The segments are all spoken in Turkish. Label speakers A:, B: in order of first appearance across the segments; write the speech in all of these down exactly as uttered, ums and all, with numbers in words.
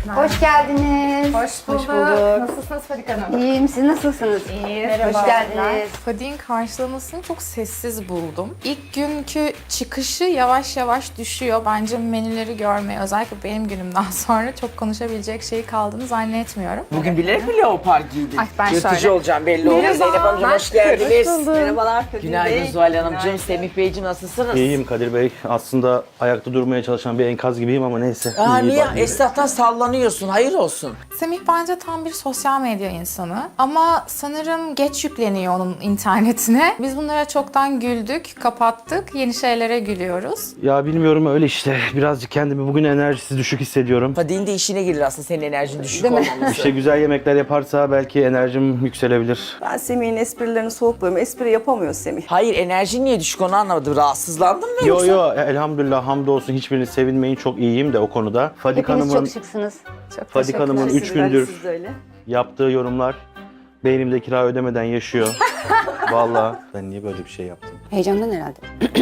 A: Hoş geldiniz.
B: Hoş bulduk.
A: Hoş bulduk.
B: Nasılsınız Fadik Hanım?
A: İyiyim, siz nasılsınız?
B: İyiyiz.
A: Hoş geldiniz.
B: Fadik'in karşılamasını çok sessiz buldum. İlk günkü çıkışı yavaş yavaş düşüyor. Bence menüleri görmeye, özellikle benim günümden sonra çok konuşabilecek şey kaldığını zannetmiyorum.
C: Bugün bilerek mi leopar giydin?
B: Ay, ben
C: Yırtıcı
B: şöyle.
C: olacağım belli oldu.
B: Merhaba.
C: Zeynep Hanımcığım hoş
B: Hoş
C: geldiniz.
B: bulduk.
D: Merhabalar Kadir
C: Günaydın
D: Bey.
C: Zuhal Hanımcığım,
D: Günaydın.
C: Semih Beyciğim nasılsınız?
E: İyiyim Kadir Bey. Aslında ayakta durmaya çalışan bir enkaz gibiyim ama neyse.
C: Aa,
E: İyi
C: niye?
E: bak-
C: Esnaftan sallanıyorsun. Hayır olsun.
B: Semih bence tam bir sosyal medya insanı. Ama sanırım geç yükleniyor onun internetine. Biz bunlara çoktan güldük, kapattık. Yeni şeylere gülüyoruz.
E: Ya bilmiyorum öyle işte. Birazcık kendimi bugün enerjisi düşük hissediyorum.
C: Fadik'in de işine gelir aslında senin enerjin düşük olmaması.
E: İşte güzel yemekler yaparsa belki enerjim yükselebilir.
D: Ben Semih'in esprilerini soğuk buluyorum. Espri yapamıyor Semih.
C: Hayır, enerjin niye düşük onu anlamadım. Rahatsızlandın mı
E: Yo
C: yoksa?
E: yo elhamdülillah hamdolsun hiçbiriniz sevinmeyin, çok iyiyim de o konuda. Fadik
A: Hepiniz
E: Hanım'ın
A: çok şıksınız.
B: Çok
E: Fadik
B: teşekkürler.
E: Hanım'ın üç
D: Sizler,
E: gündür
D: siz de öyle.
E: yaptığı yorumlar beynimde kira ödemeden yaşıyor. Vallahi ben niye böyle bir şey yaptım?
A: Heyecandan herhalde.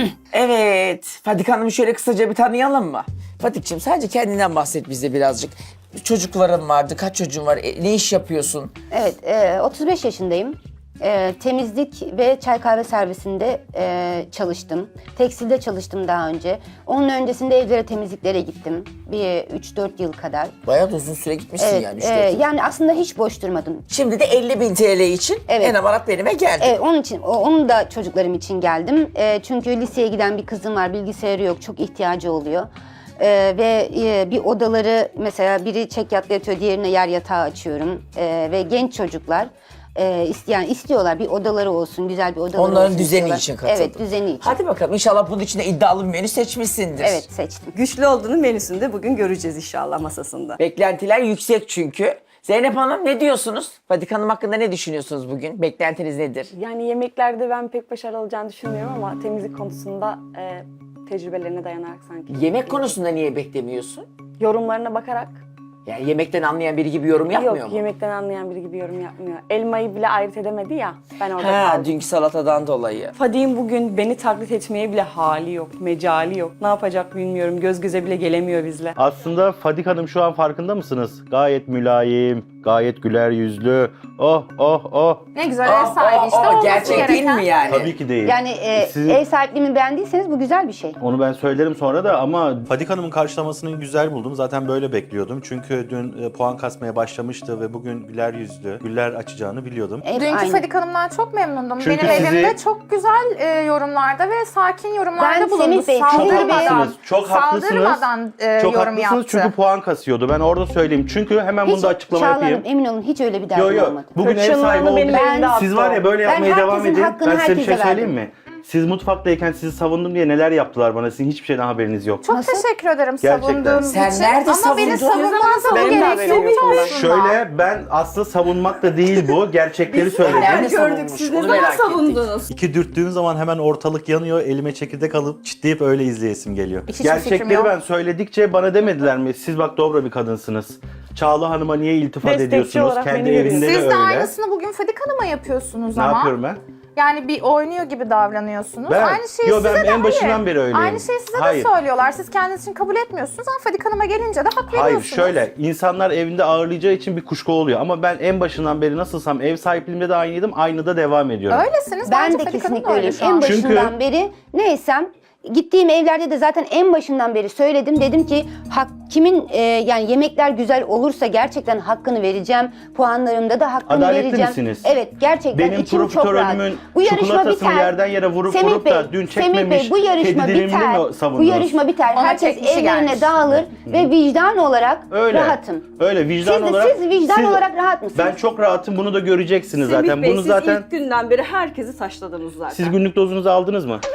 C: Evet. Fadik Hanım'ı şöyle kısaca bir tanıyalım mı? Fadik'ciğim sadece kendinden bahset bize birazcık. Çocukların vardı, kaç çocuğun var, E, ne iş yapıyorsun?
A: Evet, e, otuz beş yaşındayım. E, temizlik ve çay kahve servisinde e, çalıştım. Tekstilde çalıştım daha önce. Onun öncesinde evlere temizliklere gittim. Bir üç dört yıl kadar.
C: Bayağı da uzun süre gitmişsin
A: Evet,
C: yani. üç
A: e,
C: dört yıl.
A: yani aslında hiç boş durmadım.
C: Şimdi de elli bin T L için
A: Evet.
C: en amarat benime geldi.
A: Evet, onun için, o- onun da çocuklarım için geldim. E, çünkü liseye giden bir kızım var, bilgisayarı yok, çok ihtiyacı oluyor. E, ve e, bir odaları, mesela biri çekyatla yatıyor, diğerine yer yatağı açıyorum. E, ve genç çocuklar e, isteyen istiyorlar, bir odaları olsun, güzel bir odaları olsun.
C: Onların düzeni
A: istiyorlar.
C: için katıldın.
A: Evet, düzeni için.
C: Hadi bakalım, inşallah bunun içinde iddialı bir menü seçmişsindir.
A: Evet, seçtim.
D: Güçlü olduğunu menüsünde bugün göreceğiz inşallah masasında.
C: Beklentiler yüksek çünkü. Zeynep Hanım ne diyorsunuz? Fadik Hanım hakkında ne düşünüyorsunuz bugün? Beklentiniz nedir?
F: Yani yemeklerde ben pek başarılı olacağını düşünmüyorum ama temizlik konusunda e, tecrübelerine dayanarak sanki.
C: Yemek konusunda niye beklemiyorsun?
F: Yorumlarına bakarak.
C: Yani yemekten anlayan biri gibi yorum yapmıyor
F: Yok,
C: mu?
F: yemekten anlayan biri gibi yorum yapmıyor. Elmayı bile ayırt edemedi ya, ben orada
C: Ha,
F: kaldım.
C: dünkü salatadan dolayı.
D: Fadik'in bugün beni taklit etmeye bile hali yok, mecali yok. Ne yapacak bilmiyorum, göz göze bile gelemiyor bizle.
E: Aslında Fadik Hanım şu an farkında mısınız? Gayet mülayim, gayet güler yüzlü. Oh oh oh.
B: Ne güzel
C: Aa,
B: ev sahibi işte.
C: aa, aa,
B: olması
C: gerçek değil
B: gereken.
C: mi yani?
E: Tabii ki değil.
A: Yani e,
E: Siz-
A: ev sahipliğimi beğendiyseniz bu güzel bir şey.
E: Onu ben söylerim sonra da ama
G: Fadik Hanım'ın karşılamasını güzel buldum. Zaten böyle bekliyordum. Çünkü dün e, puan kasmaya başlamıştı ve bugün güler yüzlü, güller açacağını biliyordum.
A: Hep
B: Dünkü
A: aynı.
B: Fadik Hanım'dan çok memnundum.
E: Çünkü
B: Benim
E: sizi-
B: evimde çok güzel e, yorumlarda ve sakin yorumlarda
A: Ben
B: bulundu.
A: Semih Bey,
E: Çok
A: Semih Bey-
E: haklısınız. Çok haklısınız.
B: Saldırmadan e,
E: Çok
B: yorum
E: haklısınız
B: yaptı.
E: çünkü puan kasıyordu. Ben orada söyleyeyim. Çünkü hemen bunu
A: Hiç
E: da açıklama
A: Çağla
E: yapayım.
A: Hanım, emin olun hiç öyle bir derdim
E: Yo yo.
A: olmadı.
E: Bugün ev sahibi
D: Hırçınlığını benim
E: olduk.
D: elimde attı
E: Siz var ya
D: o.
E: böyle
A: Ben
E: yapmaya devam
A: herkesin
E: edin.
A: hakkını
E: Ben size bir şey
A: herkese
E: söyleyeyim
A: verdim.
E: mi? Siz mutfaktayken sizi savundum diye neler yaptılar bana. Sizin hiçbir şeyden haberiniz yok.
B: Çok teşekkür ederim
E: Gerçekten.
B: savunduğunuz
C: Sen
B: için.
C: nerede
B: Ama beni
C: savundun?
B: savunmanıza bu
D: Benim de
B: gerek
D: haberim
B: yok
D: yok.
B: aslında.
E: Şöyle ben aslında savunmak da değil bu. Gerçekleri söyledim.
C: Nerede savunmuş? Onu merak ettik.
G: İki dürttüğüm zaman hemen ortalık yanıyor. Elime çekirdek alıp çitleyip öyle izleyesim geliyor.
B: Hiç fikrim
E: Gerçekleri
B: yok.
E: ben söyledikçe bana demediler mi? Siz bak dobra bir kadınsınız. Çağla Hanım'a niye iltifat
D: Destekçi
E: ediyorsunuz?
D: olarak
E: Kendi
D: beni
E: evinde de
B: Siz
E: öyle.
B: de aynısını bugün Fadik Hanım'a yapıyorsunuz
E: Ne
B: ama.
E: yapıyorum ben?
B: Yani bir oynuyor gibi davranıyorsunuz.
E: Ben-
B: Aynı şeyi
E: Yo,
B: size
E: ben
B: de
E: en başından
B: hayır.
E: beri öyleyim.
B: Aynı şeyi size
E: Hayır.
B: de söylüyorlar. Siz kendiniz için kabul etmiyorsunuz ama Fadik Hanım'a gelince de hak
E: Hayır
B: veriyorsunuz.
E: şöyle insanlar evinde ağırlayacağı için bir kuşku oluyor ama ben en başından beri nasılsam ev sahipliğimde de aynıydım, aynı da devam ediyorum.
B: Öylesiniz.
A: Ben
B: Bence
A: de
B: Fadik Hanım da
A: kesinlikle
B: öyle
A: öyleyim.
B: şu an.
A: En başından
E: Çünkü-
A: beri neysem, gittiğim evlerde de zaten en başından beri söyledim. Dedim ki hak, kimin e, yani yemekler güzel olursa gerçekten hakkını vereceğim. Puanlarımda da hakkını
E: Adaletli
A: vereceğim.
E: misiniz?
A: Evet, gerçekten
E: Benim
A: içim çok rahat.
E: profiterolümün
A: Bu yarışma
E: çikolatasını
A: biter.
E: yerden yere vurup
A: Semih
E: vurup
A: Bey,
E: da dün
A: Semih
E: çekmemiş
A: Bey, bu yarışma
E: kedi dilimini
A: biter.
E: mi
A: Bu
E: savundunuz?
A: yarışma biter.
B: Ona
A: Herkes
B: çekmişi
A: evlerine
B: gelmiş.
A: dağılır ve vicdan olarak
E: Öyle.
A: rahatım.
E: Öyle vicdan
A: Siz de-
E: olarak.
A: siz vicdan olarak rahat mısınız?
E: Ben çok rahatım. Bunu da göreceksiniz
D: Semih
E: zaten.
D: Bey,
E: Bunu
D: siz
E: zaten
D: ilk günden beri herkesi taşladınız zaten.
E: siz günlük dozunuzu aldınız mı?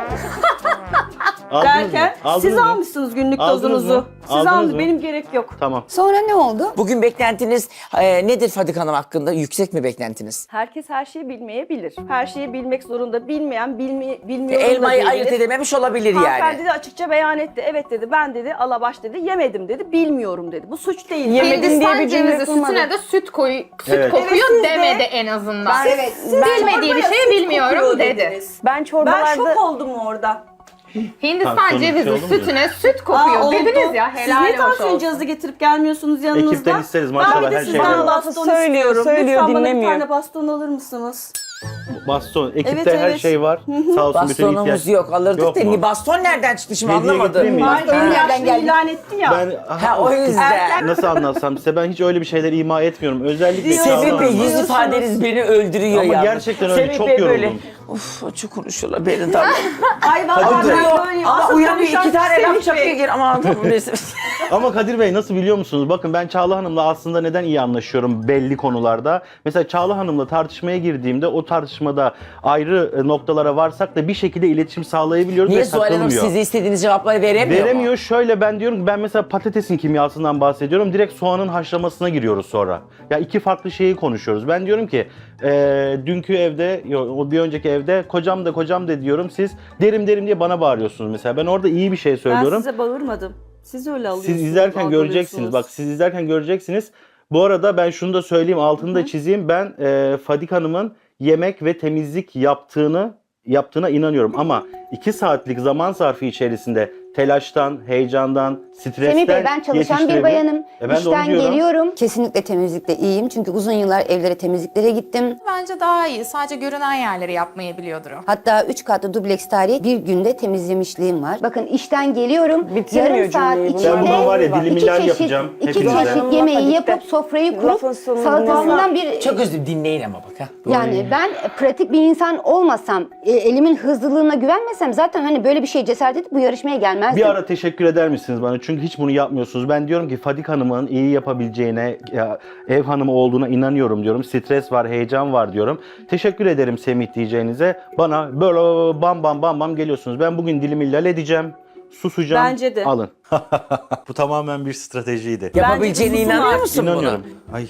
E: Aldınız
D: Derken
E: mı? Aldınız
D: siz
E: mı?
D: almışsınız günlük
E: Aldınız
D: dozunuzu.
E: mı?
D: Siz
E: Aldınız
D: aldınız,
E: mı?
D: benim gerek yok.
E: Tamam.
A: Sonra ne oldu?
C: Bugün beklentiniz e, nedir Fadik Hanım hakkında? Yüksek mi beklentiniz?
D: Herkes her şeyi bilmeyebilir. Her şeyi bilmek zorunda. Bilmeyen bilmi, bilmiyor.
C: Elmayı ayırt edememiş olabilir
D: Hanımefendi
C: yani.
D: de açıkça beyan etti. Evet dedi, ben dedi, alabaş dedi, yemedim dedi, bilmiyorum dedi. Bu suç değil.
B: Hindistan cevizi sütüne de süt koy, süt
E: Evet.
B: kokuyor
D: Evet, siz de-
B: demedi en azından.
A: Evet,
B: Bilmediği bir şeyi bilmiyorum dedi.
F: Ben
D: Ben
F: çorbalarda
D: şok oldum orada.
B: Hindistan
E: Tansiyonun bir şey
B: cevizi
E: oldu mu
B: sütüne süt kokuyor
H: Aa, oldu.
B: dediniz ya.
H: Siz
B: Helal
H: niye
B: hoş
H: tansiyon
B: olsun.
H: cihazı getirip gelmiyorsunuz yanınızda?
E: Ekipten isteriz
H: Ben
E: maşallah
H: bir de
E: her şey
H: sizden
E: var.
H: baston
D: Söylüyor,
H: istiyorum.
D: söylüyor,
H: Lütfen bana bir
D: dinlemiyor.
H: tane baston alır mısınız?
E: Baston. Ekipte
H: Evet,
E: her
H: evet.
E: şey var. Sağ olsun bütün ihtiyaç.
C: Bastonumuz yok alırdık
E: Yok
C: da
E: mu?
C: ni baston nereden çıktı şimdi
E: Hediye
C: anlamadım.
E: getireyim mi?
H: Var,
A: nereden
H: yaşlı
A: geldi?
H: ilan etti ya.
E: Ben
C: Ha o yüzden.
E: nasıl anlatsam size ben hiç öyle bir şeyler ima etmiyorum. Özellikle
H: Diyor.
E: Çağla
C: Semih Bey
E: Hanım'a.
C: yüz ifadeniz beni öldürüyor
E: Ama
C: ya.
E: gerçekten öyle, çok yoruldum.
C: Uf çok konuşuyorlar beni tabii.
H: Ay vallahi
E: Hadi
H: ben
E: be.
H: böyleyim.
C: Ama
H: Asıl
C: uyanıyor
H: konuşan
C: iki tane
H: Semih
C: laf
H: Bey.
C: çakıyor geri. Aman tamam neyse.
E: Ama Kadir Bey nasıl biliyor musunuz? Bakın ben Çağla Hanım'la aslında neden iyi anlaşıyorum belli konularda. Mesela Çağla Hanım'la tartışmaya girdiğimde o tartışmada ayrı e, noktalara varsak da bir şekilde iletişim sağlayabiliyoruz
C: Niye
E: ve
C: Zuhal Hanım
E: takılmıyor.
C: size istediğiniz cevapları veremiyor
E: Veremiyor.
C: mu?
E: Şöyle ben diyorum ki ben mesela patatesin kimyasından bahsediyorum. Direkt soğanın haşlamasına giriyoruz sonra. Ya iki farklı şeyi konuşuyoruz. Ben diyorum ki e, dünkü evde, yo, o bir önceki evde kocam da kocam da diyorum. Siz derim derim diye bana bağırıyorsunuz mesela. Ben orada iyi bir şey
H: Ben
E: söylüyorum.
H: size bağırmadım. Siz öyle alıyorsunuz.
E: Siz izlerken göreceksiniz. Bak siz izlerken göreceksiniz. Bu arada ben şunu da söyleyeyim, altını da çizeyim. Ben e, Fadik Hanım'ın yemek ve temizlik yaptığını yaptığına inanıyorum. Ama iki saatlik zaman zarfı içerisinde telaştan, heyecandan, stresten
A: Semih Bey ben çalışan bir
E: yetiştirebilir-
A: bayanım.
E: E ben de onu
A: İşten
E: diyorum.
A: geliyorum. Kesinlikle temizlikte iyiyim. Çünkü uzun yıllar evlere temizliklere gittim.
B: Bence daha iyi. Sadece görünen yerleri yapmayı biliyordur o.
A: Hatta üç katlı dubleks tarihi bir günde temizlemişliğim var. Bakın işten geliyorum.
D: Bitirmiyor
A: yarım saat
D: cümleyi.
A: içinde
E: Ben buna var ya dilim
A: iki
E: ilan
A: çeşit,
E: yapacağım
A: iki
E: hepinize.
A: çeşit yemeği yapıp sofrayı kurup
D: Lafın sonunu
A: salatasından bir...
C: Çok özür dinleyin ama bak ha.
A: Yani ben pratik bir insan olmasam, e, elimin hızlılığına güvenmesem zaten hani böyle bir şeye cesaret edip bu yarışmaya gelmezdim.
E: Bir ara teşekkür eder misiniz bana? Çünkü hiç bunu yapmıyorsunuz. Ben diyorum ki Fadik Hanım'ın iyi yapabileceğine, ya, ev hanımı olduğuna inanıyorum diyorum. Stres var, heyecan var diyorum. Teşekkür ederim Semih diyeceğinize. Bana böyle bam bam bam bam geliyorsunuz. Ben bugün dilimi lal edeceğim. Susacağım.
H: Bence de.
E: Alın.
G: Bu tamamen bir stratejiydi.
C: Yapabileceğine
H: Bence
C: inanıyor
H: susun
C: musun
E: İnanıyorum.
G: Ay, e,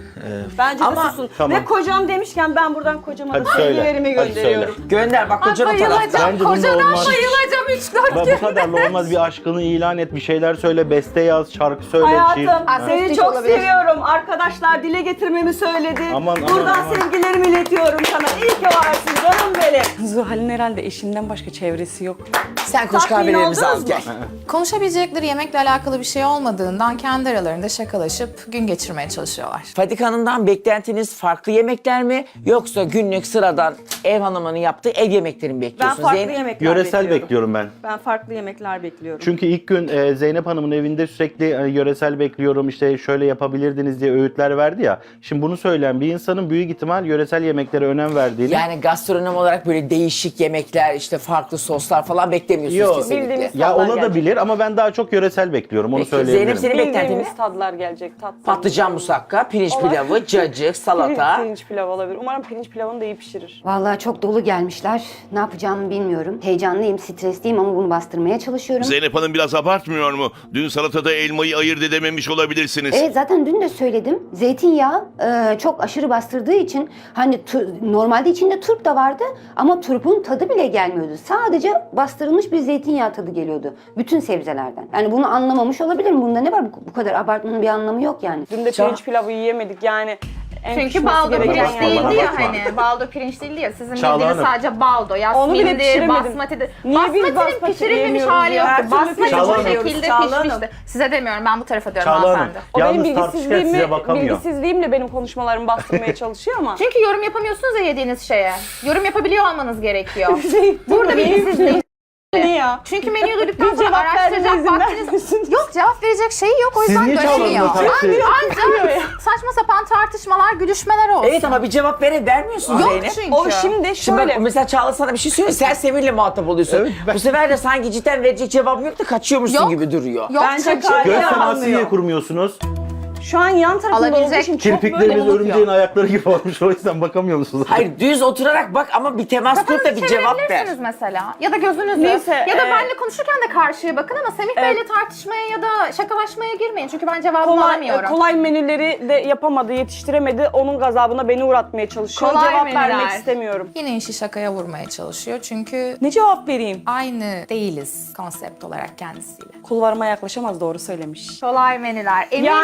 H: Bence
C: Ama-
H: de susun.
E: Tamam.
H: Ve kocam demişken ben buradan kocama da
E: Hadi söyle.
H: sevgilerimi
E: Hadi
H: gönderiyorum.
C: bunu? Gönder bak kocan o tarafta.
B: Bayılacağım.
E: Bence bunda
B: Kocadan
E: olmaz.
B: bayılacağım üç dört
E: Bak, bu kadarla olmaz. Bir aşkını ilan et, bir şeyler söyle, beste yaz, şarkı söyle.
H: Hayatım
E: şiir-
H: seni
A: Aa,
H: çok
A: olabilir.
H: seviyorum. Arkadaşlar dile getirmemi söyledi.
E: Aman, aman,
H: Buradan
E: aman.
H: sevgilerimi iletiyorum sana. İyi ki varsın canım benim.
D: Zuhal'in herhalde eşimden başka çevresi yok.
C: Sen koş
H: Tatmin
C: kahvelerimizi al
H: oldunuz
C: gel.
H: mu?
B: Konuşabilecekleri yemekle alakalı bir şey olmadığından kendi aralarında şakalaşıp gün geçirmeye çalışıyorlar.
C: Fadik Hanım'dan beklentiniz farklı yemekler mi? Yoksa günlük sıradan ev hanımının yaptığı ev yemekleri mi
H: Ben
C: bekliyorsunuz?
H: farklı
C: Zeynep?
H: yemekler
E: Yöresel
H: bekliyorum.
E: bekliyorum ben.
H: Ben farklı yemekler bekliyorum.
E: Çünkü ilk gün e, Zeynep Hanım'ın evinde sürekli e, yöresel bekliyorum işte şöyle yapabilirdiniz diye öğütler verdi ya. Şimdi bunu söyleyen bir insanın büyük ihtimal yöresel yemeklere önem verdiğini.
C: Yani gastronom olarak böyle değişik yemekler, işte farklı soslar falan beklemiyorsunuz
E: Yok.
C: kesinlikle.
D: Bildiğimiz
E: Ya
D: tatlar
E: olabilir
D: gelecek.
E: ama ben daha çok yöresel bekliyorum onu
C: Peki,
E: söyleyebilirim.
C: Zeynep senin beklentiniz?
D: Bildiğimiz tadlar gelecek. Tatlı.
C: Patlıcan musakka, pirinç
D: Olabilir.
C: pilavı, cacık, salata.
D: Pirinç pilav olabilir. Umarım pirinç pilavını da iyi pişirir.
A: Vallahi çok dolu gelmişler. Ne yapacağımı bilmiyorum. Heyecanlıyım, stresliyim ama bunu bastırmaya çalışıyorum.
I: Zeynep Hanım biraz abartmıyor mu? Dün salatada elmayı ayırt edememiş olabilirsiniz.
A: Evet zaten dün de söyledim. Zeytinyağı e, çok aşırı bastırdığı için hani tu- normalde içinde turp da vardı ama turpun tadı bile gelmiyordu. Sadece bastırılmış bir zeytinyağı tadı geliyordu. Bütün sebzelerden. Yani bunu anlamamış olabilirim. Bunda ne var? Bu, bu kadar abartmanın bir anlamı yok yani.
D: Dün de
C: Ça-
D: pirinç pilavı yiyemedik yani. En
B: Çünkü
D: pişmesi
B: baldo
D: gereken
B: pirinç
E: bakma,
B: değildi
E: bana
B: ya
E: bakma.
B: hani. Baldo pirinç değildi ya. Sizin
E: Çağla
B: bildiğiniz
E: Hanım.
B: sadece baldo.
D: Onu bile
B: Yasmin'dir,
D: pişiremedim.
B: basmati'dir.
D: Niye biz
B: Basmati'nin
D: basmati
B: pişirilmemiş
D: yemiyoruz
B: hali
D: ya? Her
B: yoktu.
D: türlü
B: Basmati
E: Çağla
B: bu
E: Hanım.
B: şekilde
H: Çağla
B: pişmişti.
H: Hanım.
B: Size demiyorum, ben bu tarafa diyorum
E: Çağla Hanım,
B: hanımefendi.
D: O benim
E: yalnız tartışırken
D: bilgisizliğimi,
E: size bakamıyor.
D: bilgisizliğimle benim konuşmalarımı bastırmaya çalışıyor ama.
B: Çünkü yorum yapamıyorsunuz ya yediğiniz şeye. Yorum yapabiliyor olmanız gerekiyor.
D: Şey,
B: Burada bilgisizlik.
D: ne ya?
B: Çünkü menüyü duyduktan
D: Bir
B: sonra
D: cevap vermeme
B: araştıracak
D: izin
B: vaktiniz...
D: vermiyorsunuz.
B: Yok, cevap verecek şeyi yok, o
E: Siz
B: yüzden
E: niye
B: dönemiyor.
E: Çağla'nın taksi?
B: Ancak saçma sapan tartışmalar, gülüşmeler olsun.
C: Evet ama bir cevap vere vermiyorsun
B: Yok
C: Zeynep.
B: çünkü.
D: O şimdi
C: Şimdi
D: şöyle.
C: bak mesela Çağla sana bir şey söylüyor. Sen Semir'le muhatap oluyorsun.
E: Evet, ben-
C: Bu sefer de sanki cidden verecek cevabım yok da kaçıyormuşsun
B: Yok.
C: gibi duruyor.
B: Yok
H: Bence
B: çünkü.
H: gayet-
E: Göz
H: Hala
E: teması niye
H: almıyor.
E: kurmuyorsunuz?
H: Şu an yan tarafında
B: Alabilecek
H: olduğu için çok böyle
E: Kirpikleriniz
H: unutuyor.
E: örümceğin ayakları gibi olmuş o yüzden bakamıyor musunuz?
C: Hayır düz oturarak bak ama bir temas kur da bir cevap ver.
B: Çevirebilirsiniz mesela. Ya da gözünüzü.
D: Neyse,
B: ya da
D: e,
B: benimle konuşurken de karşıya bakın ama Semih Bey'le tartışmaya ya da şakalaşmaya girmeyin. Çünkü ben cevabımı
D: Kolay,
B: alamıyorum.
D: kolay menüleri de yapamadı, yetiştiremedi. Onun gazabına beni uğratmaya çalışıyor.
B: Kolay
D: Cevap
B: menüler.
D: vermek istemiyorum.
B: Yine işi şakaya vurmaya çalışıyor. Çünkü
D: Ne cevap vereyim?
B: aynı değiliz konsept olarak kendisiyle.
D: Kulvarıma yaklaşamaz, doğru söylemiş.
B: Kolay menüler. Eminim
D: Yani
B: siz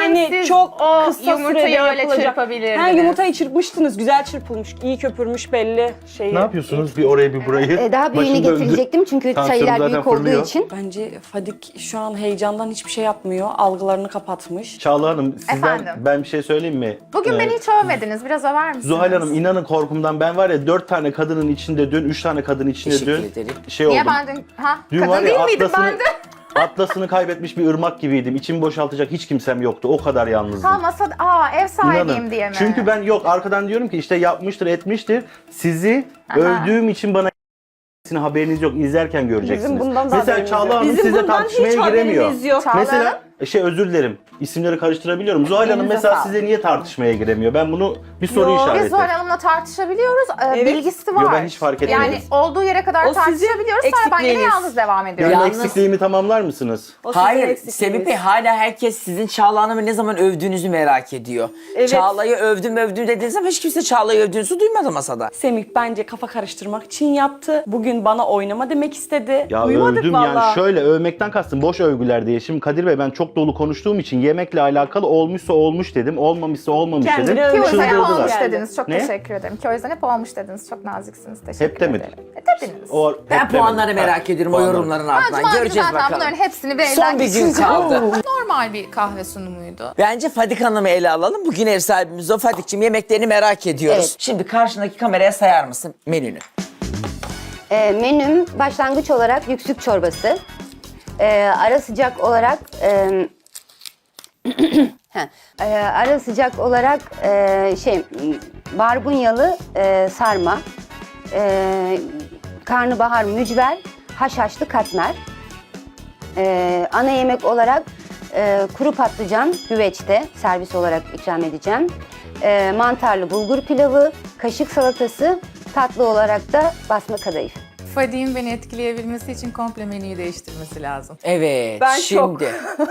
D: çok
B: o
D: kısa
B: yumurtayı
D: sürede
B: öyle
D: yapılacak.
B: çırpabilirdiniz.
D: Ha, yumurtayı çırpmıştınız. Güzel çırpılmış. iyi köpürmüş belli. Şeyi.
E: Ne yapıyorsunuz? Bir oraya bir burayı.
A: E, daha büyüğünü
E: Başım döndü.
A: getirecektim çünkü
E: Tansiyonum
A: sayılar
E: zaten
A: büyük olduğu
E: fırlıyor.
A: için.
D: Bence Fadik şu an heyecandan hiçbir şey yapmıyor. Algılarını kapatmış.
E: Çağla Hanım sizden
B: Efendim?
E: ben bir şey söyleyeyim mi?
B: Bugün
E: Ee,
B: beni hiç övmediniz. Biraz över misiniz?
E: Zuhal Hanım inanın korkumdan ben var ya dört tane kadının içinde dün, üç tane kadın içinde
C: Teşekkür
E: dün
C: ederim.
E: şey
B: Niye
E: oldum.
B: ben dün... Ha?
E: Dün var
B: Kadın
E: ya
B: değil miydim
E: atlasını,
B: ben de?
E: atlasını kaybetmiş bir ırmak gibiydim. İçimi boşaltacak hiç kimsem yoktu. O kadar yalnızdım.
B: Ha masada... Aa ev sahibiyim
E: İnanın.
B: diye mi?
E: Çünkü ben yok arkadan diyorum ki işte yapmıştır etmiştir. Sizi övdüğüm için bana haberiniz yok. İzlerken göreceksiniz.
F: Bizim bundan da
E: Mesela
F: haberimiz
E: Çağla
F: yok.
E: Hanım
D: Bizim
E: sizle
D: bundan
E: tartışmaya
D: hiç
E: giremiyor.
D: haberimiz yok.
B: Çağla Hanım?
E: Mesela şey özür dilerim. İsimleri karıştırabiliyorum. Zuhal Hanım
B: Elinize
E: mesela
B: sağlık.
E: size niye tartışmaya giremiyor? Ben bunu bir soru
D: Yo, biz
E: işareti.
B: Biz Zuhal Hanım'la tartışabiliyoruz. Ee,
D: Evet.
B: Bilgisi var.
E: Yo, ben hiç fark etmedim.
B: Yani olduğu yere kadar
D: O sizin
B: tartışabiliyoruz. Sonra ben yine
D: eksikliğiniz.
B: yalnız devam
E: Benim
B: ediyorum.
C: Yalnız-
E: eksikliğimi tamamlar mısınız?
D: O sizin
C: Hayır,
D: eksikliğiniz.
C: Semih Bey hala herkes sizin Çağla Hanım'ı ne zaman övdüğünüzü merak ediyor.
D: Evet.
C: Çağla'yı övdüm övdüm dediğiniz ama hiç kimse Çağla'yı övdüğünüzü duymadı masada.
D: Semih bence kafa karıştırmak için yaptı. Bugün bana oynama demek istedi.
E: Ya
D: Duymadık
E: övdüm
D: vallahi.
E: yani şöyle övmekten kastım boş övgüler diye. Şimdi Kadir Bey ben çok dolu konuştuğum için yemekle alakalı olmuşsa olmuş dedim, olmamışsa olmamış
D: Kendini
E: dedim.
D: övmeye
B: Ki o yüzden hep
D: Çıldırdılar.
B: olmuş
D: Geldi.
B: dediniz. Çok
E: Ne?
B: teşekkür ederim. Ki o yüzden hep olmuş dediniz. Çok naziksiniz. Teşekkür
E: Hep demedim.
B: ederim. E, dediniz.
E: O,
C: Ben
E: hep
C: puanları
E: demedim.
C: merak ediyorum o
E: puanları.
C: yorumların
B: Ben
C: ardından.
B: Cuma günü
C: Göreceğiz
B: zaten
C: bakalım.
B: bunların hepsini bir
C: Son
B: elden
C: bir gün
B: geçireceğim.
C: kaldı.
B: Normal bir kahve sunumuydu.
C: Bence Fadik Hanım'ı ele alalım. Bugün ev sahibimiz o. Fadik'ciğim yemeklerini merak ediyoruz.
A: Evet.
C: Şimdi karşındaki kameraya sayar mısın menünü?
A: E, menüm başlangıç olarak yüksük çorbası. E, ara sıcak olarak e, heh, e, ara sıcak olarak e, şey barbunyalı e, sarma, e, karnabahar mücver, haşhaşlı katmer. E, ana yemek olarak e, kuru patlıcan güveçte servis olarak ikram edeceğim. E, mantarlı bulgur pilavı, kaşık salatası, tatlı olarak da basma kadayıf.
B: Fadik'in beni etkileyebilmesi için komple menüyü değiştirmesi lazım.
C: Evet
D: Ben
C: şimdi.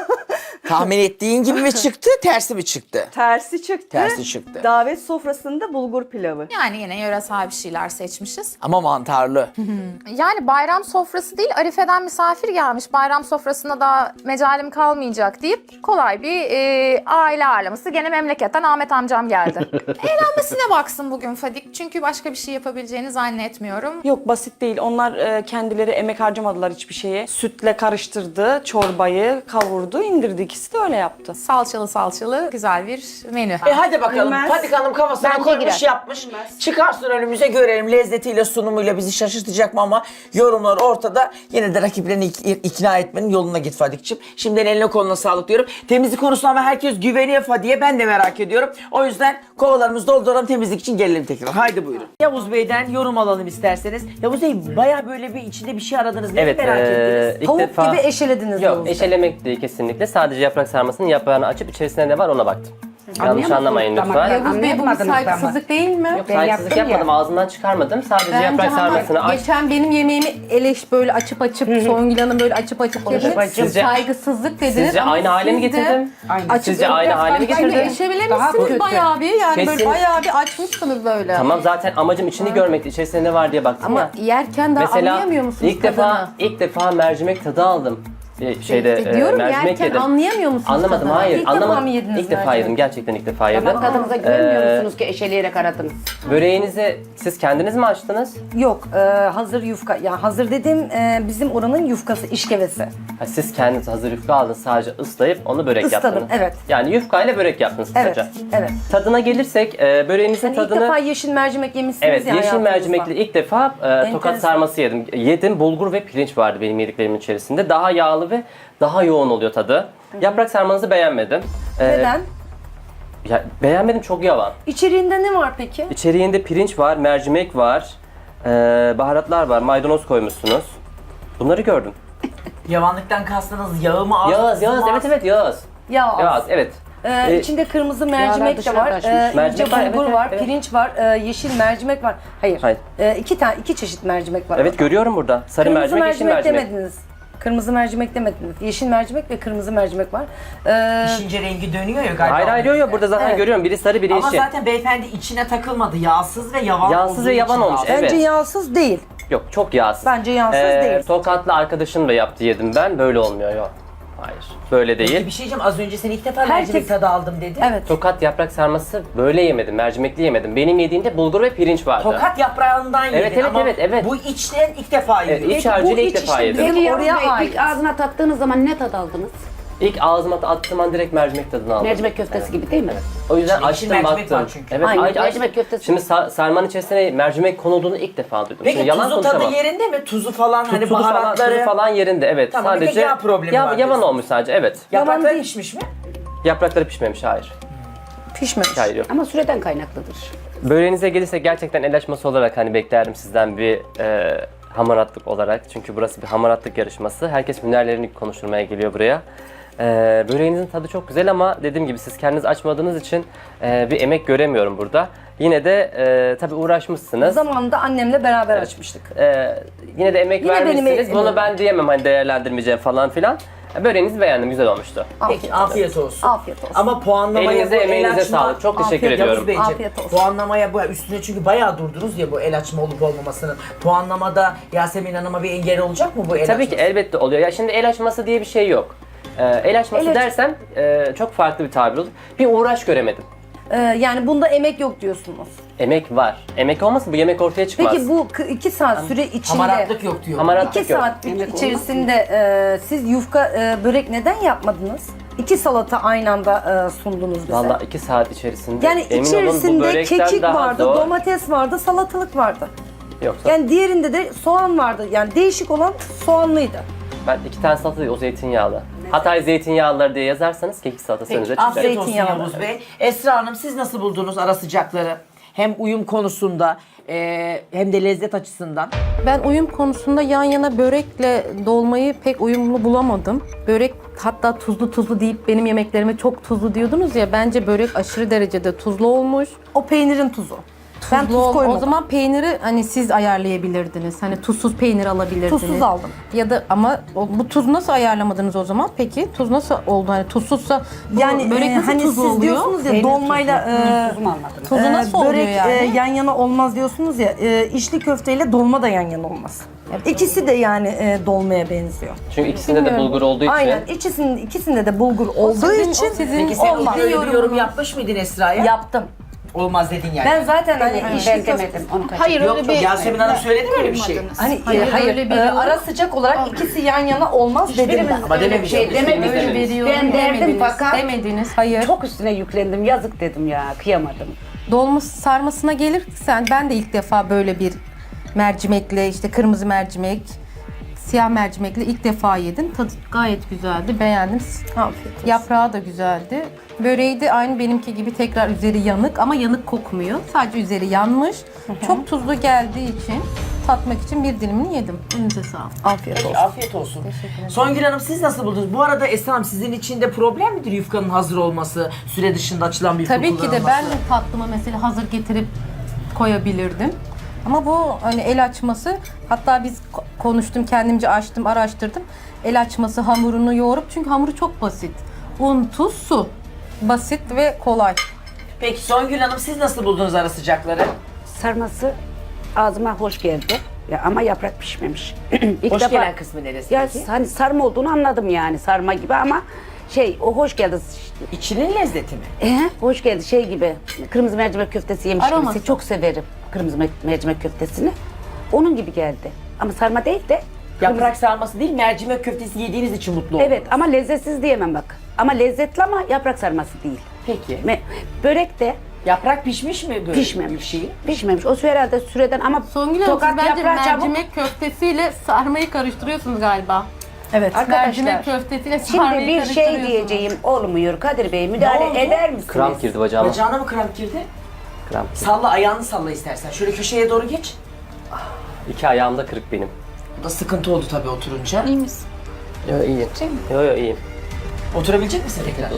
C: Tahmin ettiğin gibi mi çıktı, tersi mi çıktı?
D: Tersi çıktı.
C: Tersi çıktı.
D: Davet sofrasında bulgur pilavı.
B: Yani yine yöresel bir şeyler seçmişiz.
C: Ama mantarlı.
B: Yani bayram sofrası değil, Arife'den misafir gelmiş. Bayram sofrasında da mecalim kalmayacak deyip kolay bir e, aile ağırlaması. Gene memleketten Ahmet amcam geldi. Eğlenmesine baksın bugün Fadik. Çünkü başka bir şey yapabileceğini zannetmiyorum.
D: Yok basit değil. Onlar e, kendileri emek harcamadılar hiçbir şeye. Sütle karıştırdı, çorbayı kavurdu, indirdi. İkisi de öyle yaptı.
B: Salçalı salçalı güzel bir menü.
C: E hadi bakalım.
D: Bilmez.
C: Fadik Hanım kafasına
A: Bence
C: koymuş
A: girer.
C: yapmış. Çıkarsın önümüze görelim. Lezzetiyle sunumuyla bizi şaşırtacak mı ama yorumlar ortada. Yine de rakiplerini ik- ikna etmenin yoluna git Fadik'ciğim. Şimdiden eline koluna sağlık diyorum. Temizlik konusunda ama herkes güveniyor Fadik'e. Ben de merak ediyorum. O yüzden kovalarımızı dolduralım, temizlik için gelelim tekrar. Haydi buyurun. Yavuz Bey'den yorum alalım isterseniz. Yavuz Bey bayağı böyle bir içinde bir şey aradınız. Neyi
J: Evet,
C: merak
J: eee,
C: ettiniz?
J: ilk
K: Tavuk
J: defa...
K: gibi eşelediniz.
J: Yok,
K: Yavuz Bey.
J: eşelemek değil kesinlikle. Sadece yaprak sarmasının yaprağını açıp içerisinde ne var ona baktım. Yanlış anlamayın lütfen.
K: Yavuz Bey bu bir saygısızlık değil mi?
J: Yok, saygısızlık yapmadım, ağzımdan çıkarmadım. Sadece
K: Bence
J: yaprak
K: ama
J: sarmasını aç.
K: geçen benim yemeğimi eleş böyle açıp açıp Songül Hanım böyle açıp açıp dedi.
J: Sizce-
K: Saygısızlık dediniz.
J: Sizce
K: ama
J: aynı hale mi
K: siz de
J: getirdim?
K: açıp
J: Sizce aynı hale mi
K: Bence
J: getirdim?
K: eşelemişsiniz bayağı bir yani böyle
J: Kesin-
K: bayağı bir açmışsınız böyle.
J: Tamam, zaten amacım içini görmekti. İçerisinde ne var diye baktım
K: Ama
J: ya.
K: yerken daha
J: Mesela
K: anlayamıyor musunuz
J: ilk defa
K: tadını?
J: ilk defa mercimek tadı aldım. Bir şeyde
K: E,
J: e,
K: diyorum
J: mercimek
K: yerken
J: yedim.
K: anlayamıyor musunuz
J: Anlamadım,
K: tadını?
J: hayır.
K: İlk
J: anlamadım.
K: defa mı yediniz
J: İlk defa
K: mercimek?
J: yedim. Gerçekten ilk defa yedim.
K: Tadınıza
J: güvenmiyorsunuz
K: ki eşeleyerek aradınız.
J: Böreğinizi siz kendiniz mi açtınız?
K: Yok, e, hazır yufka. Ya hazır dedim e, bizim oranın yufkası, işkevesi.
J: Ha, siz kendiniz hazır yufka aldınız, sadece ıslayıp onu börek
K: Isladım,
J: yaptınız.
K: evet.
J: Yani yufkayla börek yaptınız
K: Evet,
J: kısaca.
K: evet.
J: Tadına gelirsek e, böreğinizin
K: Hani ilk
J: tadını...
K: defa yeşil mercimek yemişsiniz
J: Evet,
K: ya
J: yeşil
K: hayatınızda.
J: mercimekli ilk defa e, tokat
K: Enteresan.
J: sarması yedim. Yedim, bulgur ve pirinç vardı benim yediklerimin içerisinde. Daha yağlı ve daha yoğun oluyor tadı. Yaprak sarmanızı beğenmedim. E,
K: Neden?
J: Ya, beğenmedim, çok yavan.
K: İçeriğinde ne var peki?
J: İçeriğinde pirinç var, mercimek var, e, baharatlar var, maydanoz koymuşsunuz. Bunları gördüm.
C: Yavanlıktan kastınız yağı mı az?
J: Yağız, Yağız, evet evet Yağız.
K: Yağ az.
J: Yağız, evet.
K: Ee,
J: Ee,
K: içinde kırmızı mercimek de var, ee,
J: Mercimek
K: ince
J: var, evet,
K: bulgur
J: evet,
K: var,
J: evet.
K: pirinç var, ee, yeşil mercimek var. Hayır.
J: Hayır.
K: Ee, iki tane, iki çeşit mercimek var.
J: Evet,
K: orada.
J: görüyorum burada. Sarı
K: Kırmızı
J: mercimek, yeşil
K: mercimek,
J: mercimek.
K: demediniz. Kırmızı mercimek demediniz. Yeşil mercimek ve kırmızı mercimek var. Ee,
C: Pişince rengi dönüyor ya galiba.
J: Hayır hayır yok yok, burada zaten
K: Evet.
J: görüyorum. Biri sarı, biri
C: Ama
J: yeşil.
C: zaten beyefendi içine takılmadı. Yağsız ve yavan
J: Yağsız
C: olduğu
J: ve yavan
C: için
J: olmuş,
C: aldı.
J: evet.
K: bence yağsız değil.
J: Yok, çok yağsız.
K: Bence yağsız
J: Ee,
K: değil.
J: Tokatlı arkadaşım da yaptı, yedim ben. Böyle olmuyor yok. Hayır. Böyle
C: Peki
J: değil.
C: bir şey diyeceğim. Az önce sen ilk defa
K: Herkes-
C: mercimek tadı aldım dedi.
K: Evet.
J: Tokat yaprak sarması böyle yemedim. Mercimekli yemedim. Benim yediğimde bulgur ve pirinç vardı.
C: Tokat yaprağından yedin
J: Evet, evet,
C: ama
J: evet, evet.
C: bu içten ilk defa
J: Evet,
C: yedin.
J: iç harcıyla ilk defa yedim.
K: Bizim
A: Peki
K: oraya
A: Yavuz Bey,
K: ait.
A: ilk ağzına tattığınız zaman ne tad aldınız?
J: İlk ağzıma attığım an direkt mercimek tadını aldım.
A: Mercimek köftesi gibi değil mi?
J: O yüzden
C: İçinde
J: açtım
C: mercimek var
J: baktım.
C: çünkü.
J: Evet,
A: Aynen,
J: aç- aç-
A: mercimek köftesi.
J: Şimdi sa- sarmanın içerisine mercimek konulduğunu ilk defa duydum.
C: Peki
J: Şimdi yalan
C: tuzu tadı
J: konuşamam.
C: yerinde mi? Tuzu falan hani
J: Tuzu falan,
C: baharatları.
J: tuzu falan yerinde, evet.
C: Tamam, bir tek
J: sadece
C: yağ problemi var
J: yavan
C: diyorsun.
J: olmuş sadece, evet.
C: Yaprakları pişmiş mi?
J: Yaprakları pişmemiş, hayır.
K: Pişmemiş.
J: Hayır, yok.
A: Ama süreden kaynaklıdır.
J: Böreğinize gelirse gerçekten el açması olarak hani beklerdim sizden bir e, hamaratlık olarak. Çünkü burası bir hamaratlık yarışması. Herkes hünerlerini konuşturmaya geliyor buraya. E, böreğinizin tadı çok güzel ama dediğim gibi siz kendiniz açmadığınız için e, bir emek göremiyorum burada. Yine de e, tabii uğraşmışsınız.
K: Zamanında annemle beraber açmıştık.
J: E, yine de emek
K: Yine benim
J: vermişsiniz.
K: emeğim.
J: Bunu ben diyemem hani değerlendirmeyeceğim falan filan. E, Böreğinizi beğendim, güzel olmuştu.
C: Peki afiyet olsun.
K: Afiyet olsun.
C: Ama puanlamaya
J: Elinize,
C: bu el
J: emeğinize
C: açma...
J: sağlık. Çok teşekkür
K: Afiyet-
J: ediyorum.
C: Yavuz Beyciğim,
K: Afiyet olsun.
C: puanlamaya bu üstüne çünkü bayağı durdunuz ya bu el açma olup olmamasının. Puanlamada Yasemin Hanım'a bir engel olacak mı bu el
J: Tabii ki
C: açması?
J: elbette oluyor. Ya şimdi el açması diye bir şey yok. Ee, el açması
K: El aç-
J: dersem e, çok farklı bir tabir olur. Bir uğraş göremedim.
K: Ee, yani bunda emek yok diyorsunuz.
J: Emek var. Emek olmasa bu yemek ortaya çıkmaz.
K: Peki bu k- iki saat süre içinde...
C: Hamaratlık yok diyor.
J: Hamaratlık
K: İki
J: yok.
K: saat
A: Yemek
K: içerisinde e, siz yufka e, börek neden yapmadınız? İki salata aynı anda e, sundunuz bize.
J: Valla iki saat içerisinde.
K: Yani
J: emin olun bu
K: içerisinde
J: börekten
K: kekik
J: daha
K: vardı,
J: zor.
K: domates vardı, salatalık vardı.
J: Yoksa
K: Yani diğerinde de soğan vardı. Yani değişik olan soğanlıydı.
J: ben iki tane salata değil, o zeytinyağlı. Hatay zeytinyağlıları diye yazarsanız kekik salatası önünüze
C: Peki,
J: çıkacak.
C: afiyet olsun
K: Zeytinyağlı.
C: Yavuz Bey. Esra Hanım siz nasıl buldunuz ara sıcakları? Hem uyum konusunda e, hem de lezzet açısından.
L: Ben uyum konusunda yan yana börekle dolmayı pek uyumlu bulamadım. Börek hatta tuzlu tuzlu deyip benim yemeklerime çok tuzlu diyordunuz ya, bence börek aşırı derecede tuzlu olmuş.
K: O peynirin tuzu. Ben
L: Tuzlu
K: tuz
L: ol-
K: koymadım.
L: O zaman peyniri hani siz ayarlayabilirdiniz. Hani tuzsuz peynir alabilirdiniz.
K: Tuzsuz aldım.
L: Ya da ama o- bu tuzu nasıl ayarlamadınız o zaman? Peki tuz nasıl oldu? Hani tuzsuzsa bu
K: Yani
L: börek
K: e,
L: nasıl
K: hani
L: tuzlu
K: siz
L: oluyor?
K: diyorsunuz ya
A: Peynir
K: dolmayla
A: tuzu.
K: e,
A: Tuzu mu anladınız?
L: Tuzu
K: e,
L: nasıl oluyor
K: börek
L: yani?
K: e, yan yana olmaz diyorsunuz ya. E, içli köfteyle dolma da yan yana olmaz. İkisi de yani e, dolmaya benziyor.
J: Çünkü ikisinde de
L: Bilmiyorum.
J: bulgur olduğu için.
K: Aynen. İkisinin ikisinde de bulgur olduğu
L: sizin-
K: için
L: o sizin-
C: Peki sen
K: olmaz.
C: öyle bir yorum yapmış mıydın Esra'ya?
K: Yaptım.
C: Olmaz dedin yani.
K: Ben zaten hani
A: Ben
K: içli köfte
A: demedim. Onu kaçırdım.
B: Hayır
C: Yok
B: öyle
C: yok
B: bir...
C: Yasemin Hanım söyledi mi öyle bir şey?
K: Hani
L: Hayır,
K: hayır,
L: öyle bir
K: e,
L: yorum-
K: ara sıcak olarak ikisi yan yana olmaz dedim ben.
C: Ama
A: Öyle bir
C: dememiş.
A: şey demedim.
J: Öyle
L: bir yorum
A: Ben derdim
L: demediniz.
A: fakat
L: Demediniz. Hayır.
A: çok üstüne yüklendim. Yazık dedim ya. Kıyamadım.
L: Dolma sarmasına gelirsen ben de ilk defa böyle bir mercimekle, işte kırmızı mercimek, siyah mercimekle ilk defa yedim. Tadı gayet güzeldi, beğendim.
K: Afiyet olsun.
L: Yaprağı da güzeldi. Böreği de aynı benimki gibi tekrar üzeri yanık ama yanık kokmuyor. Sadece üzeri yanmış. Çok tuzlu geldiği için tatmak için bir dilimini yedim. Önünüze sağlık.
K: Afiyet
C: Peki,
K: olsun.
C: afiyet olsun. Songül Hanım siz nasıl buldunuz? Bu arada Esra Hanım sizin için de problem midir yufkanın hazır olması, süre dışında açılan bir yufka
L: Tabii ki de
C: kullanılması?
L: ben de tatlıma mesela hazır getirip koyabilirdim. Ama bu hani el açması, hatta biz ko- konuştum, kendimce açtım, araştırdım. El açması hamurunu yoğurup, çünkü hamuru çok basit. Un, tuz, su. Basit ve kolay.
C: Peki Songül Hanım siz nasıl buldunuz ara sıcakları?
M: Sarması ağzıma hoş geldi. Ya ama yaprak pişmemiş. İlk
C: Hoş
M: defa-
C: gelen kısmı neresi
M: Ya
C: peki?
M: hani sarma olduğunu anladım yani sarma gibi ama şey o hoş geldi.
C: İçinin lezzeti mi?
M: Ee, hoş geldi şey gibi kırmızı mercimek köftesi yemiş
L: Aroması.
M: gibisi. Çok severim kırmızı me- mercimek köftesini. Onun gibi geldi. Ama sarma değil de
C: Yaprak sarması değil, mercimek köftesi yediğiniz için mutlu oldum.
M: evet ama lezzetsiz diyemem bak. Ama lezzetli ama yaprak sarması değil.
C: Peki.
M: Me- börek de
C: Yaprak pişmiş mi böyle?
M: pişmemiş.
C: bir şey?
M: Pişmemiş. O su herhalde süreden ama
L: Songül Hanım,
M: tokat
L: siz bence
M: yaprağı çabuk.
L: mercimek köftesiyle sarmayı karıştırıyorsunuz galiba.
K: Evet.
M: Arkadaşlar.
L: Mercimek köftesiyle
M: Şimdi
L: sarmayı
M: bir şey
L: karıştırıyorsunuz.
M: diyeceğim olmuyor Kadir Bey
C: Ne
M: müdahale
C: oldu?
M: eder misiniz?
J: Kramp girdi bacağıma.
C: Bacağına mı kramp girdi?
J: Kramp girdi.
C: Salla ayağını salla istersen. Şöyle köşeye doğru geç.
J: İki ayağım da kırık benim.
C: Bu da sıkıntı oldu tabii oturunca.
B: İyi misin?
J: Yo iyiyim. Yo yo iyiyim.
C: Oturabilecek misin tekrar?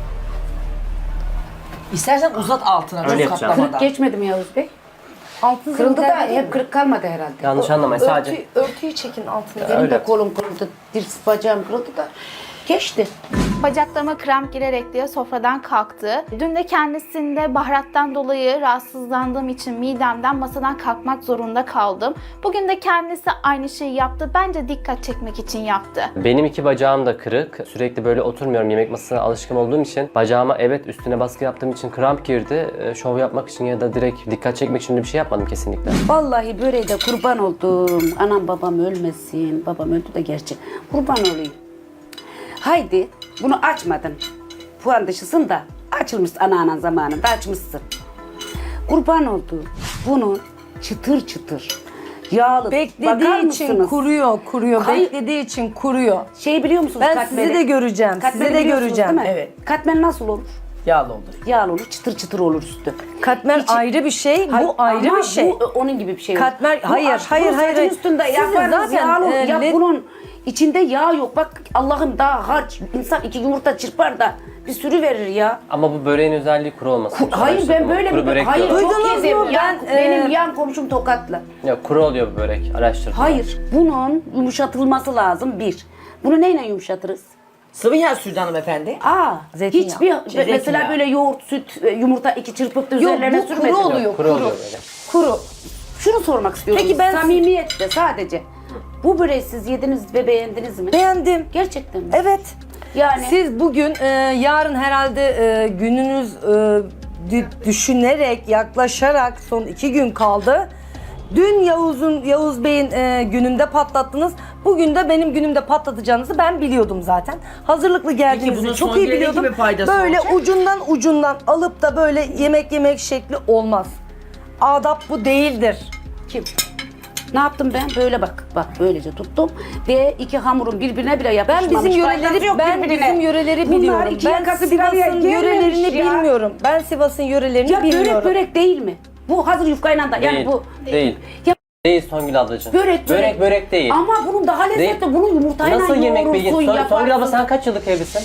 C: İstersen uzat altına
J: Öyle
C: çok
J: yapacağım.
C: katlamadan.
A: Kırık geçmedi mi Yavuz Bey?
K: Altın
A: Kırıldı da
K: zeminde değil mi?
A: hep kırık kalmadı herhalde.
J: Yanlış anlamayın sadece.
K: Örtü, örtüyü çekin altına.
A: Benim
J: Öyle.
A: de kolum kırıldı, dirs bacağım kırıldı da geçti.
N: Bacaklarıma kramp girerek diye sofradan kalktı. Dün de kendisinde baharattan dolayı rahatsızlandığım için midemden masadan kalkmak zorunda kaldım. Bugün de kendisi aynı şeyi yaptı. Bence dikkat çekmek için yaptı.
J: Benim iki bacağım da kırık. Sürekli böyle oturmuyorum. Yemek masasına alışkın olduğum için bacağıma evet üstüne baskı yaptığım için kramp girdi. Ee, Şov yapmak için ya da direkt dikkat çekmek için de bir şey yapmadım kesinlikle.
M: Vallahi böreğe de kurban oldum. Anam babam ölmesin. Babam öldü de gerçi. Kurban olayım. Haydi bunu açmadın. Puan dışısın da açılmış anneannen zamanında açmışsın. Kurban oldu. Bunu çıtır çıtır yağlı. Bakar
K: Beklediği için
M: mısınız?
K: kuruyor, kuruyor.
M: Hayır.
K: Beklediği için kuruyor.
M: Şeyi biliyor musunuz?
K: Ben
M: katmeri?
K: sizi de göreceğim, sizi
M: Katmeri
K: de
M: biliyorsunuz
K: göreceğim.
M: değil mi?
C: Evet.
M: Katmer nasıl olur?
C: Yağlı olur.
M: Yağlı olur, çıtır çıtır olur üstü.
K: Katmer
M: İçi-
K: ayrı bir şey,
M: Hayır,
K: bu ayrı
M: ama
K: bir şey.
M: Bu onun gibi bir şey. yok.
K: Katmer-
M: Bu
K: hayır,
M: aş-
K: hayır,
M: bu
K: hayır,
M: sacın
K: hayır.
M: üstünde
K: Sizin
M: yaparız
K: zaten,
M: yağlı.
K: e,
M: ya
K: le-
M: bunun içinde yağ yok. Bak Allah'ım daha harç. İnsan iki yumurta çırpar da bir sürü verir ya.
J: Ama bu böreğin özelliği kuru olması.
M: Hayır ben böyle
J: kuru
M: bir
J: börek
M: hayır
J: diyorlar.
M: çok
K: Duydunuz
M: yedim.
K: mu?
M: Yan-
K: Ben,
M: benim
K: e,
M: yan komşum Tokatlı.
J: Yok kuru oluyor bu börek. Araştırdım.
M: Hayır bunun yumuşatılması lazım bir. Bunu neyle yumuşatırız?
C: Sıvı yağ sürdü hanımefendi.
M: Aa,
K: Zeytinyağı.
M: hiçbir
C: Şey,
M: mesela
C: zeytinyağı.
M: böyle yoğurt, süt, e, yumurta iki çırpıp da
K: Yok,
M: üzerlerine
K: bu
M: sürmedin.
K: kuru oluyor,
J: Kuru
K: kuru.
J: oluyor böyle.
M: Kuru. Şunu sormak istiyorum.
K: Peki ben-
M: Samimiyetle sadece. Bu böreği siz yediniz ve beğendiniz mi?
K: Beğendim.
M: Gerçekten mi?
K: Evet.
M: Yani
K: Siz bugün, e, yarın herhalde e, gününüz e, dü- düşünerek, yaklaşarak son iki gün kaldı. Dün Yavuz'un, Yavuz Bey'in e, gününde patlattınız. Bugün de benim günümde patlatacağınızı ben biliyordum zaten. Hazırlıklı
C: bunun
K: geldiğinizi çok iyi
C: Songül'e ne
K: biliyordum.
C: gibi faydası
K: Böyle
C: olacak?
K: ucundan ucundan alıp da böyle yemek yemek şekli olmaz. Adap bu değildir.
M: kim? Ne yaptım ben? Böyle bak. Bak böylece tuttum. Ve iki hamurun birbirine bile
K: Ben
M: yapışmamış.
K: bizim
M: Faydası
K: yöreleri
M: yok
K: ben
M: birbirine.
K: bizim yöreleri
M: Bunlar
K: biliyorum.
M: iki
K: Ben
M: yakası bir araya
K: Sivas'ın
M: gelmemiş
K: yörelerini
M: ya.
K: bilmiyorum. Ben Sivas'ın yörelerini
M: Ya
K: bilmiyorum.
M: börek börek değil mi? Bu hazır yufkayla da yani
J: Değil.
M: bu
J: Değil.
M: Ya
J: Değil Songül ablacığım.
M: börek börek.
J: Börek börek değil.
M: Ama bunun daha lezzetli.
J: Değil.
M: Bunun yumurtayla
J: Nasıl yemek bilgisi?
M: yoğurursun,
J: Son, Songül abla
M: yaparsın.
J: sen kaç yıllık evlisin?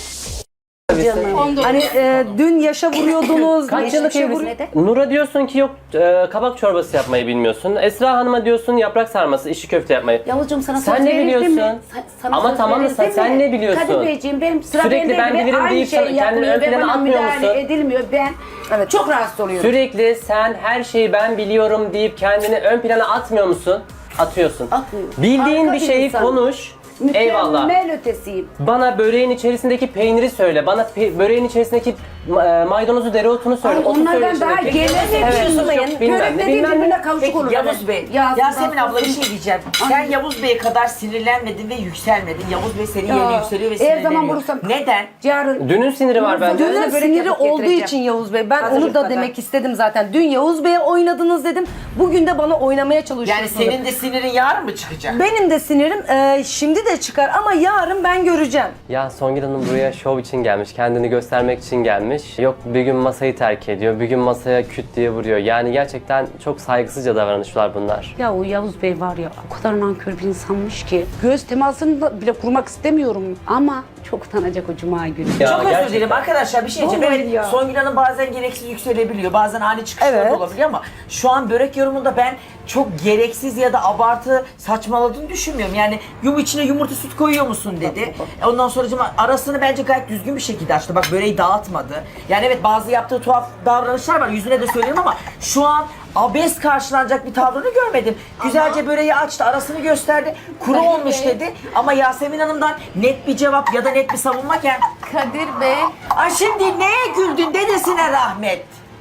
M: Canım.
K: Hani e, dün yaşa vuruyordunuz.
J: Kaç yıllık
K: geçmişe
J: evlisin?
K: vuruyor-
J: Nur'a diyorsun ki yok e, kabak çorbası yapmayı bilmiyorsun. Esra Hanım'a diyorsun yaprak sarması, içli köfte yapmayı.
M: Yavuzcuğum sana
J: Sen
M: söz
J: ne
M: verildi
J: biliyorsun?
M: mi? Sa- sana
J: Ama
M: söz
J: tamam da
M: verildi
J: sen-
M: mi?
J: sen ne biliyorsun?
M: Kadir Beyciğim benim sıra
J: Sürekli
M: bende
J: ben
M: ve
J: bilirim
M: aynı
J: deyip
M: şey
J: kendini
M: yapılıyor
J: ön
M: ve
J: plana
M: bana
J: atmıyor
M: müdahale
J: musun?
M: edilmiyor. Ben evet. çok rahatsız oluyorum.
J: Sürekli sen her şeyi ben biliyorum deyip kendini ön plana atmıyor musun? Atıyorsun.
M: Atmıyorum.
J: Bildiğin
M: Harika
J: bir
M: bir
J: şeyi
M: insanım.
J: konuş. Eyvallah.
M: Mükemmel ötesiyim.
J: Bana böreğin içerisindeki peyniri söyle. Bana pe- böreğin içerisindeki e, maydanozu, dereotunu söyle.
M: Ay,
J: Otu söyle
M: onlardan
J: içine.
M: daha
J: Peki,
M: gelememişim.
J: evet, yok, bilmem
M: Börek
J: ne,
M: dediğin
J: bilmem
M: birbirine
J: ne.
M: kavuşuk
C: Peki
M: olur.
C: Yavuz Bey,
M: Yağsız,
C: Yasemin abla bir
M: tatsız.
C: şey diyeceğim. Sen Yavuz Bey'e kadar sinirlenmedin ve yükselmedin. Yavuz Bey senin
M: Ya,
C: yerine yükseliyor ve
M: eğer
C: sinirleniyor.
M: zaman bulursam-
C: Neden?
M: Yarın
J: Dünün siniri var bence.
K: Dünün
M: Börek
K: siniri
M: yapıp
K: olduğu
M: getireceğim.
K: için Yavuz Bey. Ben
M: Hazır
K: onu da
M: yufkadan.
K: demek istedim zaten. Dün Yavuz Bey'e oynadınız dedim. Bugün de bana oynamaya çalışıyorsunuz.
C: Yani senin de sinirin yarın mı çıkacak?
K: Benim de sinirim e, şimdi de çıkar ama yarın ben göreceğim.
J: Ya Songül Hanım buraya şov için gelmiş, kendini göstermek için gelmiş. Yok bir gün masayı terk ediyor, bir gün masaya küt diye vuruyor. Yani gerçekten çok saygısızca davranışlar bunlar.
M: Ya o Yavuz Bey var ya o kadar nankör bir insanmış ki. Göz temasını da bile kurmak istemiyorum. Ama çok utanacak o cuma günü.
J: Ya
C: Çok özür
J: gerçekten.
C: dilerim arkadaşlar bir şey diyeceğim.
M: Vallahi
C: Evet,
M: ya.
C: Songül Hanım bazen gereksiz yükselebiliyor. Bazen ani çıkışlar
K: Evet.
C: da olabiliyor ama şu an börek yorumunda ben çok gereksiz ya da abartı saçmaladığını düşünmüyorum. Yani yum içine yumurta süt koyuyor musun dedi. E Ondan sonra arasını bence gayet düzgün bir şekilde açtı. Bak böreği dağıtmadı. Yani evet bazı yaptığı tuhaf davranışlar var. Yüzüne de söyleyeyim ama şu an abes karşılanacak bir tavrını görmedim. Güzelce böreği açtı, arasını gösterdi. Kuru olmuş dedi. Ama Yasemin Hanım'dan net bir cevap ya da net bir savunma gel.
B: Kadir Bey,
C: Ay şimdi neye güldün dedesine rahmet.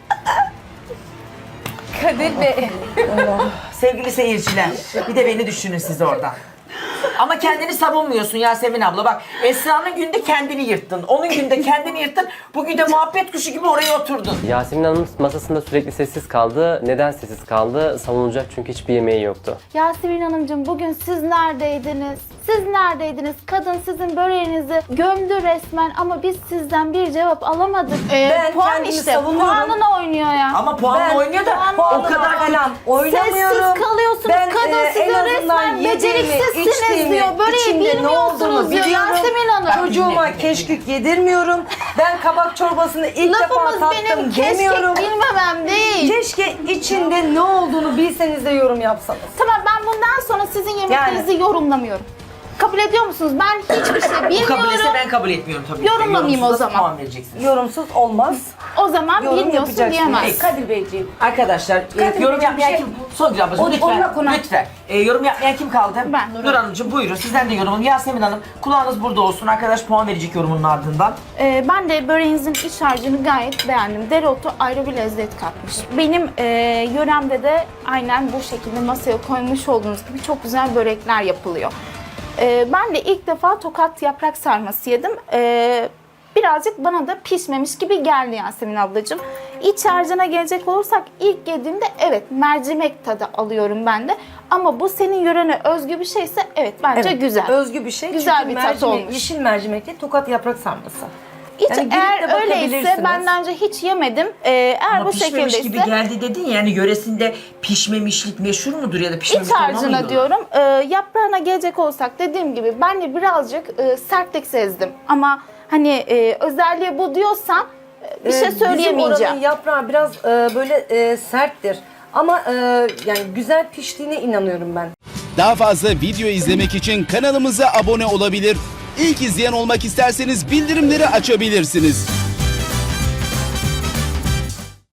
B: Kadir Bey.
C: Sevgili seyirciler, bir de beni düşünün siz orada. Ama kendini savunmuyorsun Yasemin abla. Bak Esra'nın günde kendini yırttın. Onun günde kendini yırttın. Bugün de muhabbet kuşu gibi oraya oturdun.
J: Yasemin Hanım masasında sürekli sessiz kaldı. Neden sessiz kaldı? Savunulacak çünkü hiçbir yemeği yoktu.
N: Yasemin Hanımcığım bugün siz neredeydiniz? Siz neredeydiniz? Kadın sizin böreğinizi gömdü resmen ama biz sizden bir cevap alamadık. Ee,
K: Ben
N: puan
K: kendimi
N: işte,
K: savunuyorum.
N: puanına oynuyor ya.
C: Ama puanla
K: Ben
C: oynuyor da o
K: puanla
C: kadar
K: falan oynamıyorum.
N: Sessiz kalıyorsunuz.
K: Ben,
N: Kadın
K: e,
N: size
K: en azından
N: resmen
K: yediğimi,
N: beceriksizsiniz
K: içtiğimi,
N: diyor. Böreği
K: içinde ne
N: bilmiyorsunuz
K: olduğunu
N: diyor
K: biliyorum.
N: Yasemin Hanım.
K: Çocuğuma keşkük yedirmiyorum. Ben kabak çorbasını ilk
N: Lafımız
K: defa tattım
N: benim keşke
K: demiyorum.
N: bilmemem değil.
K: Keşke içinde ne olduğunu bilseniz de yorum yapsanız.
N: Tamam ben bundan sonra sizin yemeklerinizi yorumlamıyorum. Kabul ediyor musunuz? Ben hiçbir şey
C: Bu kabul etse
N: bilmiyorum.
C: ben kabul etmiyorum tabii. ki.
N: Yorumlamayayım o
C: Yorumsuz
N: zaman.
C: puan vereceksiniz.
K: Yorumsuz olmaz.
N: O zaman
K: Yorum
N: bilmiyorsun
K: yapacaksın.
N: diyemez.
C: Peki.
M: Kadir Beyciğim.
C: Arkadaşlar e,
M: Kadir
C: yorum
M: Bey,
C: yapmayan
M: bir şey-
C: kim? Songül ablacığım
M: O-
C: lütfen.
M: onunla konu-
C: Lütfen. E, yorum yapmayan kim kaldı?
N: Ben.
C: Nur Hanımcığım buyurun sizden de yorum. Yasemin Hanım kulağınız burada olsun. Arkadaş puan verecek yorumunun ardından.
N: Ee, ben de böreğinizin iç harcını gayet beğendim. Dereotu ayrı bir lezzet katmış. Benim e, yöremde de aynen bu şekilde masaya koymuş olduğunuz gibi çok güzel börekler yapılıyor. Ee, ben de ilk defa Tokat yaprak sarması yedim. Ee, birazcık bana da pişmemiş gibi geldi Yasemin ablacığım. İç harcına gelecek olursak ilk yediğimde evet mercimek tadı alıyorum ben de. Ama bu senin yörene özgü bir şeyse evet bence
K: Evet,
N: güzel.
K: Özgü bir şey.
N: Güzel
K: Çünkü
N: bir tat
K: mercimek,
N: olmuş.
K: Yeşil mercimek değil, Tokat yaprak sarması.
N: Hiç
K: Yani girip de
N: eğer öyleyse
K: bakabilirsiniz.
N: benden önce hiç yemedim. Ee, eğer
C: Ama
N: bu
C: pişmemiş
N: şekildeyse
C: gibi geldi dedin ya, yani yöresinde pişmemişlik meşhur mudur ya da pişmemiş
N: İç
C: olma
N: harcına
C: mıydı?
N: diyorum. E, yaprağına gelecek olsak dediğim gibi ben de birazcık e, sertlik sezdim. Ama hani e, özelliği bu diyorsan e, bir şey
K: Ee, Bizim
N: söyleyemeyeceğim.
K: oranın yaprağı biraz e, böyle e, serttir. Ama e, yani güzel piştiğine inanıyorum ben.
O: Daha fazla video izlemek için kanalımıza abone olabilir. İlk izleyen olmak isterseniz bildirimleri açabilirsiniz.